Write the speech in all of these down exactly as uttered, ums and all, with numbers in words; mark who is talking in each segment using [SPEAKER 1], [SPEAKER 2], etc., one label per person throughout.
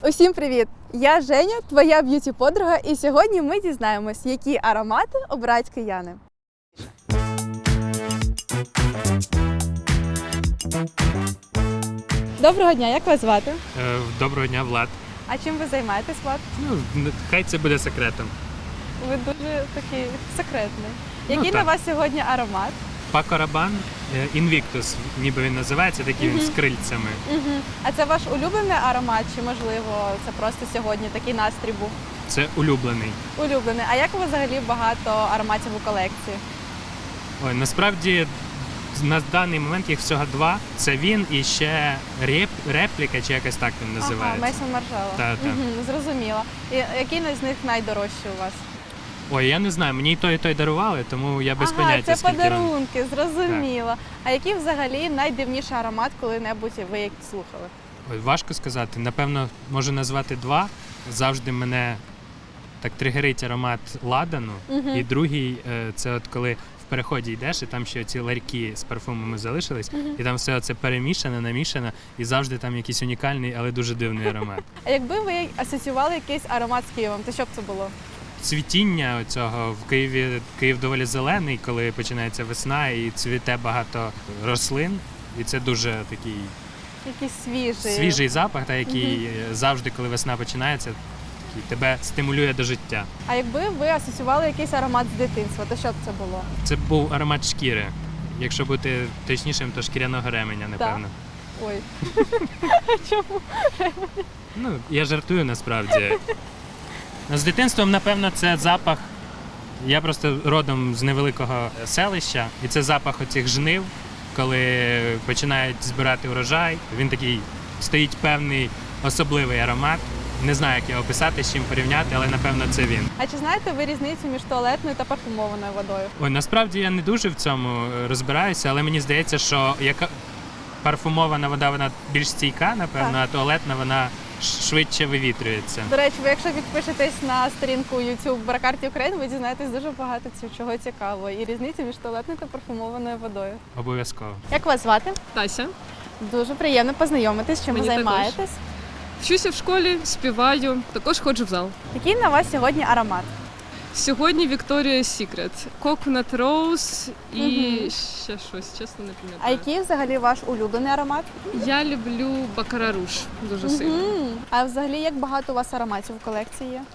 [SPEAKER 1] Усім привіт! Я Женя, твоя б'юті-подруга, і сьогодні ми дізнаємось, які аромати обирають кияни. Доброго дня, як вас звати?
[SPEAKER 2] Доброго дня, Влад.
[SPEAKER 1] А чим ви займаєтесь, Влад?
[SPEAKER 2] Ну, хай це буде секретом.
[SPEAKER 1] Ви дуже такий секретний.
[SPEAKER 2] Ну,
[SPEAKER 1] Який
[SPEAKER 2] так.
[SPEAKER 1] на вас сьогодні аромат?
[SPEAKER 2] Paco Rabanne Invictus, ніби він називається, такий він з крильцями.
[SPEAKER 1] Угу. А це ваш улюблений аромат, чи можливо це просто сьогодні такий настрій був?
[SPEAKER 2] Це улюблений.
[SPEAKER 1] Улюблений. А як у вас взагалі багато ароматів у колекції?
[SPEAKER 2] Ой, насправді на даний момент їх всього два. Це він і ще реп, репліка, чи якось так він називається.
[SPEAKER 1] Ага, Мейсон Маржело.
[SPEAKER 2] Так, так.
[SPEAKER 1] Угу, зрозуміло. І який з них найдорожчий у вас?
[SPEAKER 2] Ой, я не знаю, мені і той, і той дарували, тому я без
[SPEAKER 1] ага,
[SPEAKER 2] поняття,
[SPEAKER 1] це
[SPEAKER 2] скільки
[SPEAKER 1] подарунки, зрозуміло. А який взагалі найдивніший аромат, коли-небудь ви як слухали?
[SPEAKER 2] Ой, важко сказати. Напевно, можу назвати два. Завжди мене так тригерить аромат ладану.
[SPEAKER 1] Угу.
[SPEAKER 2] І другий – це от коли в переході йдеш, і там ще ці ларьки з парфумами залишились,
[SPEAKER 1] Угу.
[SPEAKER 2] і там все це перемішане, намішане, і завжди там якийсь унікальний, але дуже дивний аромат.
[SPEAKER 1] А якби ви асоціювали якийсь аромат з Києвом, то що б це було?
[SPEAKER 2] Цвітіння цього в Києві, Київ доволі зелений, коли починається весна і цвіте багато рослин, і це дуже такий
[SPEAKER 1] Якийсь свіжий.
[SPEAKER 2] свіжий запах, та, який завжди, коли весна починається, такий тебе стимулює до життя.
[SPEAKER 1] А якби ви асоціювали якийсь аромат з дитинства, то що б це було?
[SPEAKER 2] Це був аромат шкіри. Якщо бути точнішим, то шкіряного ременя, напевно.
[SPEAKER 1] Ой. Чому?
[SPEAKER 2] Ну, я жартую насправді. З дитинством, напевно, це запах. Я просто родом з невеликого селища, і це запах оцих жнив, коли починають збирати урожай. Він такий, стоїть певний особливий аромат. Не знаю, як його описати, з чим порівняти, але напевно це він.
[SPEAKER 1] А чи знаєте ви різницю між туалетною та парфумованою водою?
[SPEAKER 2] Ой, насправді я не дуже в цьому розбираюся, але мені здається, що яка парфумована вода, вона більш стійка, напевно,
[SPEAKER 1] Так.
[SPEAKER 2] а туалетна вона швидше вивітрюється.
[SPEAKER 1] До речі, ви якщо підпишетесь на сторінку YouTube Бракарті України, ви дізнаєтесь дуже багато чого цікавого і різниці між туалетною та парфумованою водою.
[SPEAKER 2] Обов'язково.
[SPEAKER 1] Як вас звати?
[SPEAKER 3] Тася.
[SPEAKER 1] Дуже приємно познайомитись, чим ви
[SPEAKER 3] Мені
[SPEAKER 1] займаєтесь.
[SPEAKER 3] Вчуся в школі, співаю, також ходжу в зал.
[SPEAKER 1] Який на вас сьогодні аромат?
[SPEAKER 3] Сьогодні Victoria's Secret. Coconut Rose і
[SPEAKER 1] Мгм.
[SPEAKER 3] ще щось, чесно не пам'ятаю.
[SPEAKER 1] А який взагалі ваш улюблений аромат?
[SPEAKER 3] Я люблю Baccarat Rouge дуже сильно.
[SPEAKER 1] Мгм. А взагалі як багато у вас ароматів у колекції є?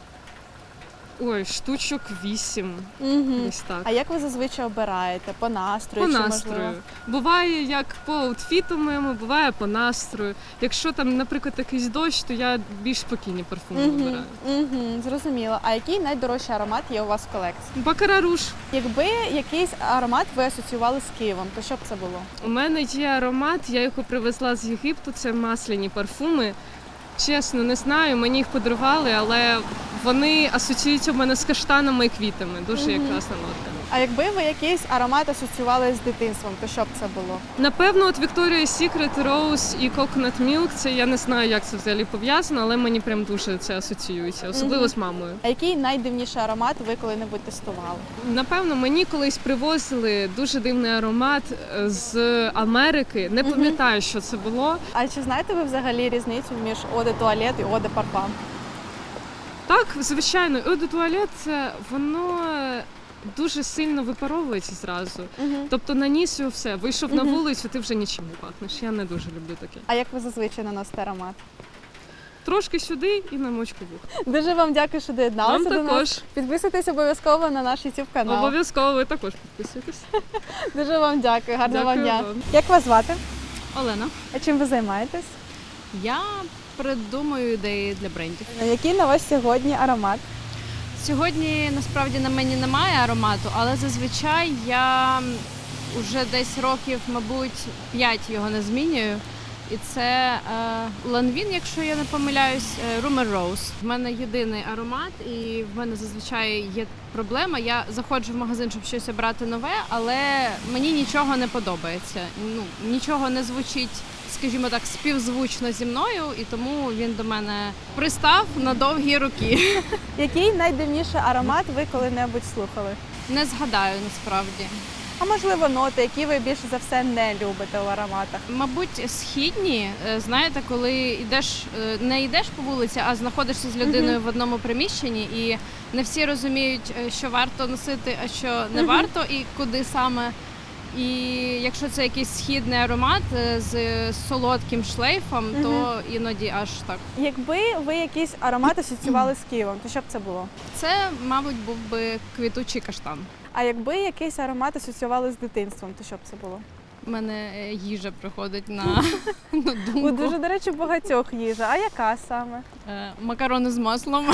[SPEAKER 3] Ой, штучок вісім.
[SPEAKER 1] Угу.
[SPEAKER 3] Десь так.
[SPEAKER 1] А як ви зазвичай обираєте? По настрою?
[SPEAKER 3] По
[SPEAKER 1] чи
[SPEAKER 3] настрою.
[SPEAKER 1] можливо?
[SPEAKER 3] Буває як по аутфіту моєму, буває по настрою. Якщо там, наприклад, якийсь дощ, то я більш спокійні парфуми
[SPEAKER 1] Угу.
[SPEAKER 3] вибираю.
[SPEAKER 1] Угу. Зрозуміло. А який найдорожчий аромат є у вас в колекції?
[SPEAKER 3] Baccarat Rouge.
[SPEAKER 1] Якби якийсь аромат ви асоціювали з Києвом, то що б це було?
[SPEAKER 3] У мене є аромат, я його привезла з Єгипту, це масляні парфуми. Чесно, не знаю, мені їх подарували, але вони асоціюються в мене з каштанами і квітами. Дуже є
[SPEAKER 1] Мгм.
[SPEAKER 3] класна нотка.
[SPEAKER 1] А якби ви якийсь аромат асоціювали з дитинством, то що б це було?
[SPEAKER 3] Напевно, от Victoria's Secret, Rose і Coconut Milk, це я не знаю, як це взагалі пов'язано, але мені прям дуже це асоціюється, особливо
[SPEAKER 1] Мгм.
[SPEAKER 3] з мамою.
[SPEAKER 1] А який найдивніший аромат ви коли-небудь тестували?
[SPEAKER 3] Напевно, мені колись привозили дуже дивний аромат е, з Америки. Не
[SPEAKER 1] Мгм.
[SPEAKER 3] пам'ятаю, що це було.
[SPEAKER 1] А чи знаєте ви взагалі різницю між Eau de Toilette і Eau de Parfum?
[SPEAKER 3] Так, звичайно, Eau de Toilette, це воно дуже сильно випаровується зразу.
[SPEAKER 1] Угу.
[SPEAKER 3] Тобто наніс його все, вийшов на
[SPEAKER 1] Мгм.
[SPEAKER 3] вулицю, ти вже нічим не пахнеш. Я не дуже люблю таке.
[SPEAKER 1] А як ви зазвичай наносите аромат?
[SPEAKER 3] Трошки сюди і на мочку вух.
[SPEAKER 1] Дуже вам дякую, що доєдналися
[SPEAKER 3] Вам
[SPEAKER 1] до нас.
[SPEAKER 3] також.
[SPEAKER 1] Підписуйтесь обов'язково на наш YouTube канал.
[SPEAKER 3] Обов'язково ви також підписуйтесь.
[SPEAKER 1] Дуже вам дякую, гарного вам
[SPEAKER 3] Дякую
[SPEAKER 1] дня.
[SPEAKER 3] вам.
[SPEAKER 1] Як вас звати?
[SPEAKER 4] Олена,
[SPEAKER 1] А чим ви займаєтесь?
[SPEAKER 4] я придумую ідеї для брендів.
[SPEAKER 1] Який на вас сьогодні аромат?
[SPEAKER 4] Сьогодні насправді на мені немає аромату, але зазвичай я вже десь років, мабуть, п'ять його не змінюю. І це е, Lanvin, якщо я не помиляюсь, е, Rumor Rose. В мене єдиний аромат, і в мене зазвичай є проблема. Я заходжу в магазин, щоб щось обрати нове, але мені нічого не подобається. Ну, нічого не звучить, скажімо так, співзвучно зі мною, і тому він до мене пристав на довгі роки.
[SPEAKER 1] Який найдивніший аромат ви коли-небудь слухали?
[SPEAKER 4] Не згадаю насправді.
[SPEAKER 1] А можливо, ноти, які ви більше за все не любите в ароматах?
[SPEAKER 4] Мабуть, східні, е, знаєте, коли йдеш, е, не йдеш по вулиці, а знаходишся з людиною в одному приміщенні, і не всі розуміють, е, що варто носити, а що не
[SPEAKER 1] Мгм.
[SPEAKER 4] варто, і куди саме. І якщо це якийсь східний аромат е, з солодким шлейфом, то іноді аж так.
[SPEAKER 1] Якби ви якийсь аромат асоціювали з Києвом, то що б це було?
[SPEAKER 4] Це, мабуть, був би квітучий каштан.
[SPEAKER 1] А якби якийсь аромат асоціювали з дитинством, то що б це було?
[SPEAKER 4] У мене е, їжа приходить на, на
[SPEAKER 1] У
[SPEAKER 4] думку.
[SPEAKER 1] дуже, до речі, багатьох їжа. А яка саме?
[SPEAKER 4] Е, Макарони з маслом.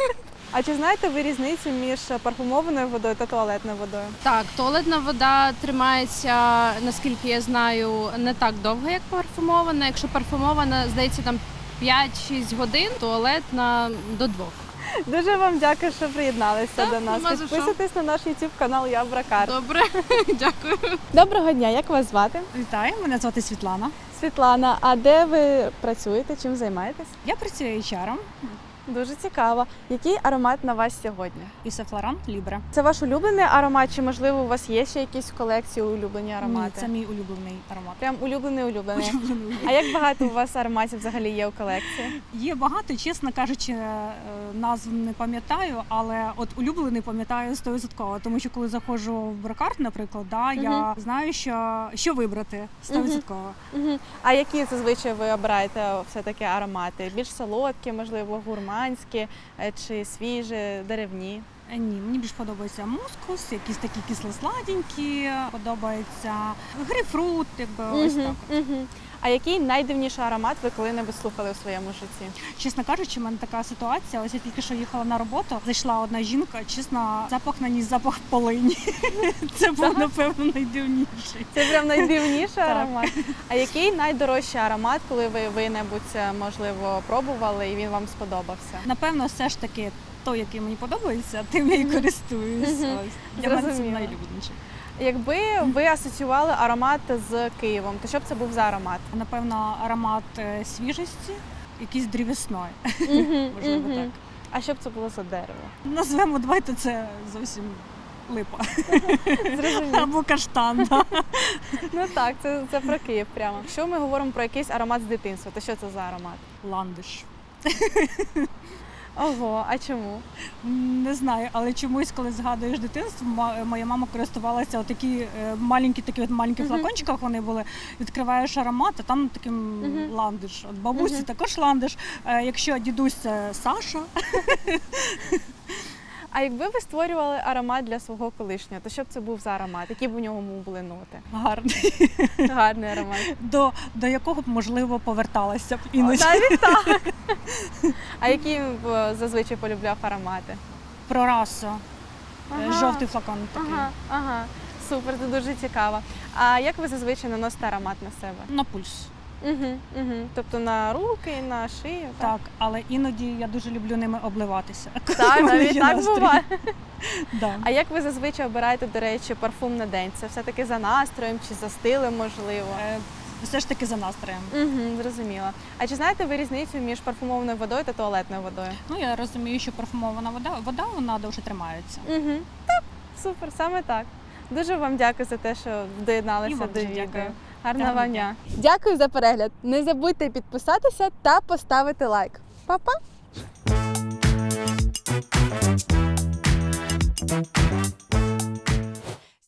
[SPEAKER 1] А чи знаєте ви різницю між парфумованою водою та туалетною водою?
[SPEAKER 4] Так, туалетна вода тримається, наскільки я знаю, не так довго, як парфумована. Якщо парфумована, здається, там п'ять-шість годин, туалетна до двох.
[SPEAKER 1] Дуже вам дякую, що приєдналися
[SPEAKER 4] Так,
[SPEAKER 1] до нас.
[SPEAKER 4] нема за що.
[SPEAKER 1] Підписуйтесь на наш YouTube канал Я Бракар.
[SPEAKER 4] Добре, дякую.
[SPEAKER 1] Доброго дня, як вас звати?
[SPEAKER 5] Вітаю, мене звати Світлана.
[SPEAKER 1] Світлана, а де ви працюєте? Чим займаєтесь?
[SPEAKER 5] Я працюю ейч ар-ом
[SPEAKER 1] Дуже цікаво. Який аромат на вас сьогодні?
[SPEAKER 5] і Сефлоран Лібре.
[SPEAKER 1] Це ваш улюблений аромат, чи можливо у вас є ще якісь в колекції улюблені аромати?
[SPEAKER 5] Ні, це мій улюблений аромат.
[SPEAKER 1] Прям улюблений улюблений.
[SPEAKER 5] Улюблений.
[SPEAKER 1] А як багато у вас ароматів взагалі є у колекції?
[SPEAKER 5] Є багато, чесно кажучи, е, назв не пам'ятаю, але от улюблений пам'ятаю сто відсотків, тому що коли заходжу в брокарт, наприклад, да, я
[SPEAKER 1] Мгм.
[SPEAKER 5] знаю, що, що вибрати сто відсотків.
[SPEAKER 1] Угу. А які зазвичай ви обираєте все-таки аромати? Більш солодкі, можливо, гурманські е, чи свіжі, деревні?
[SPEAKER 5] Е, Ні, мені більш подобається мускус, якісь такі кисло-сладенькі, подобається грейпфрут, якби ось так. от.
[SPEAKER 1] Угу. А який найдивніший аромат ви коли-небудь слухали у своєму житті?
[SPEAKER 5] Чесно кажучи, в мене така ситуація. Ось я тільки що їхала на роботу. Зайшла одна жінка. Чесно, запах на ній запах полині. Це був напевно найдивніший.
[SPEAKER 1] Це прям найдивніший
[SPEAKER 5] Так.
[SPEAKER 1] аромат. А який найдорожчий аромат, коли ви ви-небудь, можливо, пробували і він вам сподобався?
[SPEAKER 5] Напевно, все ж таки той, який мені подобається, тим я і користуюсь.
[SPEAKER 1] Мгм.
[SPEAKER 5] Ось. Для мене це
[SPEAKER 1] Зрозуміла.
[SPEAKER 5] найлюбленіший.
[SPEAKER 1] Якби ви асоціювали аромат з Києвом, то що б це був за аромат?
[SPEAKER 5] Напевно, аромат е, свіжості, якийсь дрівесної.
[SPEAKER 1] Мгм,
[SPEAKER 5] Можливо,
[SPEAKER 1] мгм.
[SPEAKER 5] так.
[SPEAKER 1] А що б це було за дерево?
[SPEAKER 5] Назвемо, давайте це зовсім липа.
[SPEAKER 1] Зрозуміло.
[SPEAKER 5] Або каштан. да.
[SPEAKER 1] Ну так, це, це про Київ прямо. Якщо ми говоримо про якийсь аромат з дитинства, то що це за аромат?
[SPEAKER 5] Ландиш.
[SPEAKER 1] Ого, а чому?
[SPEAKER 5] Не знаю, але чомусь, коли згадуєш дитинство, ма- моя мама користувалася отакі е, маленькі, такі от маленькі
[SPEAKER 1] Мгм.
[SPEAKER 5] флакончиках вони були. Відкриваєш аромат, а там таким
[SPEAKER 1] Мгм.
[SPEAKER 5] ландиш. От бабусі
[SPEAKER 1] Мгм.
[SPEAKER 5] також ландиш. Е, якщо дідусь це Саша,
[SPEAKER 1] А якби ви створювали аромат для свого колишнього, то що б це був за аромат? Які б у ньому були ноти?
[SPEAKER 5] гарний,
[SPEAKER 1] Гарний аромат.
[SPEAKER 5] до, до якого б можливо поверталася б іноді.
[SPEAKER 1] Навіть так. А які б зазвичай полюбляв аромати?
[SPEAKER 5] Про расу. Е,
[SPEAKER 1] Ага.
[SPEAKER 5] Жовтий флакон такий.
[SPEAKER 1] Ага, ага. Супер, це дуже цікаво. А як ви зазвичай наносите аромат на себе?
[SPEAKER 5] На пульс.
[SPEAKER 1] Угу, угу. Тобто на руки, на шию?
[SPEAKER 5] Так, але іноді я дуже люблю ними обливатися. коли
[SPEAKER 1] Так,
[SPEAKER 5] в мене
[SPEAKER 1] навіть
[SPEAKER 5] є
[SPEAKER 1] так
[SPEAKER 5] настрій.
[SPEAKER 1] буває.
[SPEAKER 5] Да.
[SPEAKER 1] А як ви зазвичай обираєте, до речі, парфум на день? Це все-таки за настроєм чи за стилем, можливо?
[SPEAKER 5] Е, Все ж таки за настроєм.
[SPEAKER 1] Угу, зрозуміло. А чи знаєте ви різницю між парфумованою водою та туалетною водою?
[SPEAKER 5] Ну, я розумію, що парфумована вода, вода вона довше тримається.
[SPEAKER 1] Угу. Так, супер, саме так. Дуже вам дякую за те, що
[SPEAKER 5] І
[SPEAKER 1] доєдналися
[SPEAKER 5] вам
[SPEAKER 1] до
[SPEAKER 5] дуже
[SPEAKER 1] відео.
[SPEAKER 5] дякую.
[SPEAKER 1] Гарного
[SPEAKER 5] Гарного
[SPEAKER 1] вам
[SPEAKER 5] дня.
[SPEAKER 1] дня. Дякую за перегляд. Не забудьте підписатися та поставити лайк. Па-па!